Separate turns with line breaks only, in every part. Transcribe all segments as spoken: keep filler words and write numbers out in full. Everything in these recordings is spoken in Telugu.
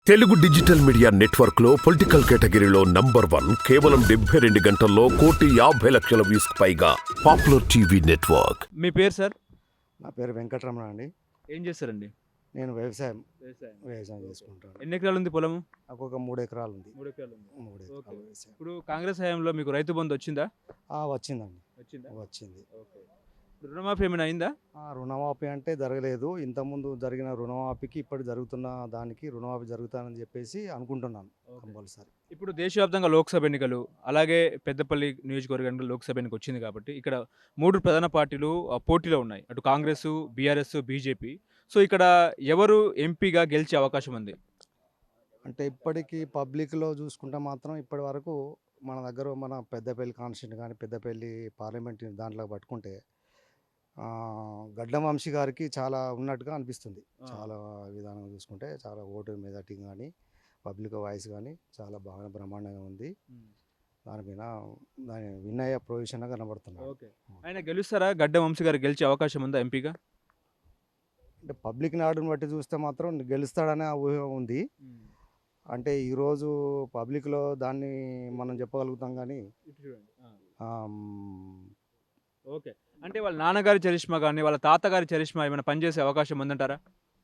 తెలుగు డిజిటల్ మీడియా నెట్వర్క్ లో పొలిటికల్ కేటగిరీలో నంబర్ వన్ కేవలం డెబ్బై రెండు గంటల్లో కోటి యాభై లక్షల వ్యూస్ పైగా పాపులర్ టీవీ నెట్వర్క్.
మీ పేరు సార్?
నా పేరు వెంకటరమణ అండి.
ఏం చేస్తారండి?
నేను వ్యవసాయం
వ్యవసాయం
వ్యవసాయం చేసుకుంటాను.
ఎన్ని ఎకరాలు ఉంది పొలము?
నాకు ఒక మూడు ఎకరాలు ఉంది.
మూడు ఎకరాలు ఉంది.
మూడు
ఓకే.
ఎకరాలు వ్యవసాయం.
ఇప్పుడు కాంగ్రెస్ హయాంలో మీకు రైతు బంధు వచ్చిందా?
ఆ, వచ్చిందండి.
వచ్చిందా?
వచ్చింది.
ఓకే. ఇప్పుడు రుణమాఫీ ఏమైనా అయిందా?
ఆ, రుణమాఫీ అంటే జరగలేదు. ఇంతకుముందు జరిగిన రుణమాఫీకి ఇప్పుడు జరుగుతున్న దానికి రుణమాఫీ జరుగుతానని చెప్పేసి అనుకుంటున్నాను కంపల్సరీ.
ఇప్పుడు దేశవ్యాప్తంగా లోక్సభ ఎన్నికలు, అలాగే పెద్దపల్లి నియోజకవర్గానికి లోక్సభ ఎన్నిక వచ్చింది కాబట్టి ఇక్కడ మూడు ప్రధాన పార్టీలు ఆ, పోటీలో ఉన్నాయి. అటు కాంగ్రెస్, బీఆర్ఎస్, బీజేపీ. సో ఇక్కడ ఎవరు ఎంపీగా గెలిచే అవకాశం ఉంది?
అంటే ఇప్పటికీ పబ్లిక్లో చూసుకుంటే మాత్రం ఇప్పటి వరకు మన దగ్గర మన పెద్దపల్లి కాన్స్టిట్యూషన్ కానీ పెద్దపల్లి పార్లమెంట్ దాంట్లో పట్టుకుంటే ఆ, గడ్డం వంశీ గారికి చాలా ఉన్నట్టుగా అనిపిస్తుంది.
ఆ.
చాలా విధానం చూసుకుంటే చాలా ఓటు మెజార్టీ కానీ పబ్లిక్ వాయిస్ కానీ చాలా బాగా బ్రహ్మాండంగా ఉంది. దానిపైన దాని విన్ అయ్యే ప్రొవిజన్గా కనబడుతున్నాడు.
ఓకే. ఆయన గెలుస్తారా? గడ్డం వంశీ గారు గెలిచే అవకాశం ఉందా ఎంపీగా?
అంటే పబ్లిక్ నాడుని బట్టి చూస్తే మాత్రం గెలుస్తాడనే ఊహ ఉంది. అంటే ఈరోజు పబ్లిక్లో దాన్ని మనం చెప్పగలుగుతాం కానీ
ఇటు చూడండి. ఆ.
ఆమ్,
ఓకే. అంటే వాళ్ళ నాన్నగారి చరిష్మా కానీ వాళ్ళ తాతగారి చరిష్మా ఏమైనా పనిచేసే అవకాశం ఉందంటారా?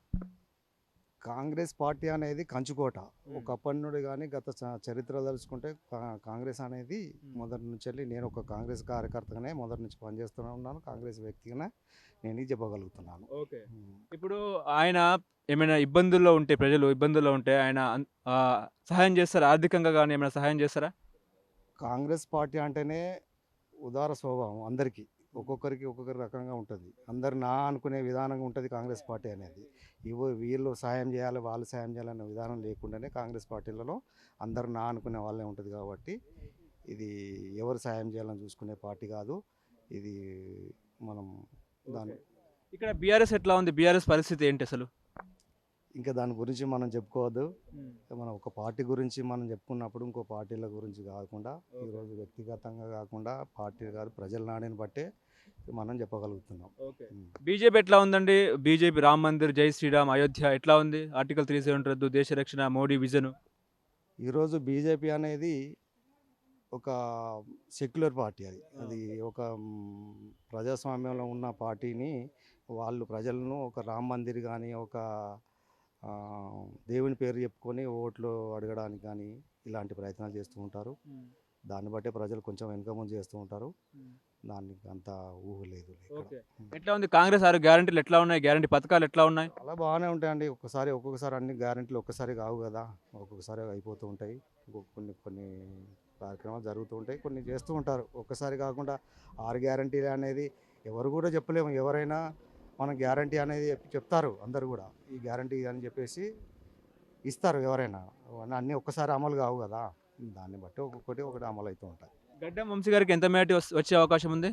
కాంగ్రెస్ పార్టీ అనేది కంచుకోట. ఒకప్పటి నుండి కానీ గత చ- చరిత్ర తలుచుకుంటే కా- కాంగ్రెస్ అనేది మొదటి నుంచి వెళ్ళి నేను ఒక కాంగ్రెస్ కార్యకర్తగానే మొదటి నుంచి పనిచేస్తూనే ఉన్నాను. కాంగ్రెస్ వ్యక్తిగానే నేను ఇది చెప్పగలుగుతున్నాను.
ఓకే.
ఉమ్.
ఇప్పుడు ఆయన ఏమైనా ఇబ్బందుల్లో ఉంటే, ప్రజలు ఇబ్బందుల్లో ఉంటే ఆయన అన్- ఆ, సహాయం చేస్తారా? ఆర్థికంగా కానీ ఏమైనా సహాయం చేస్తారా?
కాంగ్రెస్ పార్టీ అంటేనే ఉదార స్వభావం అందరికీ ఒక్కొక్కరికి ఒక్కొక్కరి రకంగా ఉంటుంది. అందరు నా అనుకునే విధానంగా ఉంటుంది కాంగ్రెస్ పార్టీ అనేది. ఇవో వీళ్ళు సాయం చేయాలి వాళ్ళు సాయం చేయాలనే విధానం లేకుండానే కాంగ్రెస్ పార్టీలలో అందరు నా అనుకునే వాళ్ళే ఉంటుంది. కాబట్టి ఇది ఎవరు సాయం చేయాలని చూసుకునే పార్టీ కాదు ఇది. మనం దాని
ఇక్కడ బీఆర్ఎస్ ఎట్లా ఉంది? బీఆర్ఎస్ పరిస్థితి ఏంటి అసలు?
ఇంకా దాని గురించి మనం చెప్పుకోవద్దు. మనం ఒక పార్టీ గురించి మనం చెప్పుకున్నప్పుడు ఇంకో పార్టీల గురించి కాకుండా ఈరోజు వ్యక్తిగతంగా కాకుండా పార్టీ కాదు ప్రజల నాడిని బట్టే మనం చెప్పగలుగుతున్నాం.
ఓకే.
ఉమ్.
బీజేపీ ఎట్లా ఉందండి? బీజేపీ రామ్ మందిర్, జై శ్రీరామ్, అయోధ్య ఎట్లా ఉంది? ఆర్టికల్ త్రీ సెవెన్ రద్దు, దేశ రక్షణ, మోడీ విజన్.
ఈరోజు బీజేపీ అనేది ఒక సెక్యులర్ పార్టీ. అది అది ఒక మ్, ప్రజాస్వామ్యంలో ఉన్న పార్టీని వాళ్ళు ప్రజలను ఒక రామ్ మందిర్ కానీ ఒక ఆ, దేవుని పేరు చెప్పుకొని ఓట్లు అడగడానికి కానీ ఇలాంటి ప్రయత్నాలు చేస్తూ ఉంటారు. దాన్ని బట్టే ప్రజలు కొంచెం వెనుక ముందు చేస్తూ ఉంటారు. దానికి అంత ఊహ లేదు ఇక్కడ.
ఓకే. ఎట్లా ఉంది కాంగ్రెస్ ఆరు గ్యారంటీలు ఎట్లా ఉన్నాయి? గ్యారంటీ పథకాలు ఎట్లా ఉన్నాయి?
చాలా బాగానే ఉంటాయండి. ఒక్కసారి ఒక్కొక్కసారి అన్ని గ్యారెంటీలు ఒక్కసారి కావు కదా, ఒక్కొక్కసారి అయిపోతూ ఉంటాయి. ఇంకొక కొన్ని కొన్ని కార్యక్రమాలు జరుగుతూ ఉంటాయి, కొన్ని చేస్తూ ఉంటారు. ఒక్కసారి కాకుండా ఆరు గ్యారెంటీలు అనేది ఎవరు కూడా చెప్పలేము. ఎవరైనా మన గ్యారంటీ అనేది చెప్పి చెప్తారు అందరు కూడా ఈ గ్యారంటీ అని చెప్పేసి ఇస్తారు ఎవరైనా. అవన్నీ అన్నీ ఒక్కసారి అమలు కావు కదా, దాన్ని బట్టి ఒక్కొక్కటి ఒకటి అమలు అవుతూ ఉంటాయి.
గడ్డం వంశీ గారికి ఎంత మేటి వచ్చే అవకాశం ఉంది?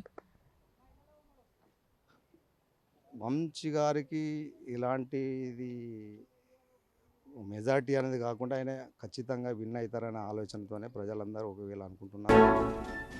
వంశీ గారికి ఇలాంటిది మెజార్టీ అనేది కాకుండా ఆయన ఖచ్చితంగా విన్ అవుతారనే ఆలోచనతోనే ప్రజలందరూ ఒకవేళ అనుకుంటున్నారు.